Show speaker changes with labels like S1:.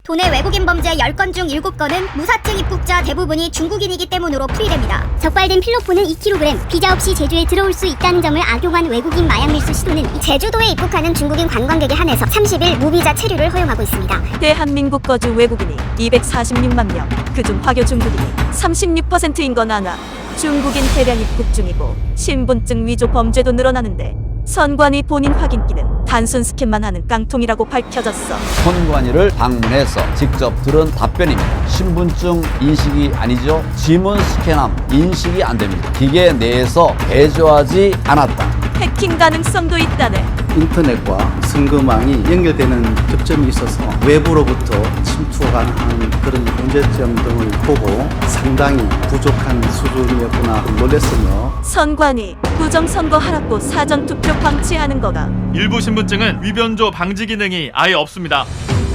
S1: 도내 외국인 범죄 10건 중 7건은 무사증 입국자 대부분이 중국인이기 때문으로 풀이됩니다.
S2: 적발된 필로폰은 2kg, 비자 없이 제주에 들어올 수 있다는 점을 악용한 외국인 마약 밀수 시도는 제주도에 입국하는 중국인 관광객에 한해서 30일 무비자 체류를 허용하고 있습니다.
S3: 대한민국 거주 외국인이 246만 명, 그중 화교 중국인이 36%인 건 아나. 중국인 대량 입국 중이고 신분증 위조 범죄도 늘어나는데 선관위 본인 확인기는 단순 스캔만 하는 깡통이라고 밝혀졌어.
S4: 선관위를 방문해서 직접 들은 답변입니다. 신분증 인식이 아니죠. 지문 스캔함 인식이 안 됩니다. 기계 내에서 개조하지 않았다.
S3: 해킹 가능성도 있다네.
S5: 인터넷과 선거망이 연결되는 접점이 있어서 외부로부터 침투가 가능한 그런 문제점 등을 보고 상당히 부족한 수준이었구나 놀랐으며
S3: 선관위 부정선거 하라고 사전투표 방치하는 거가
S6: 일부 신분증은 위변조 방지 기능이 아예 없습니다.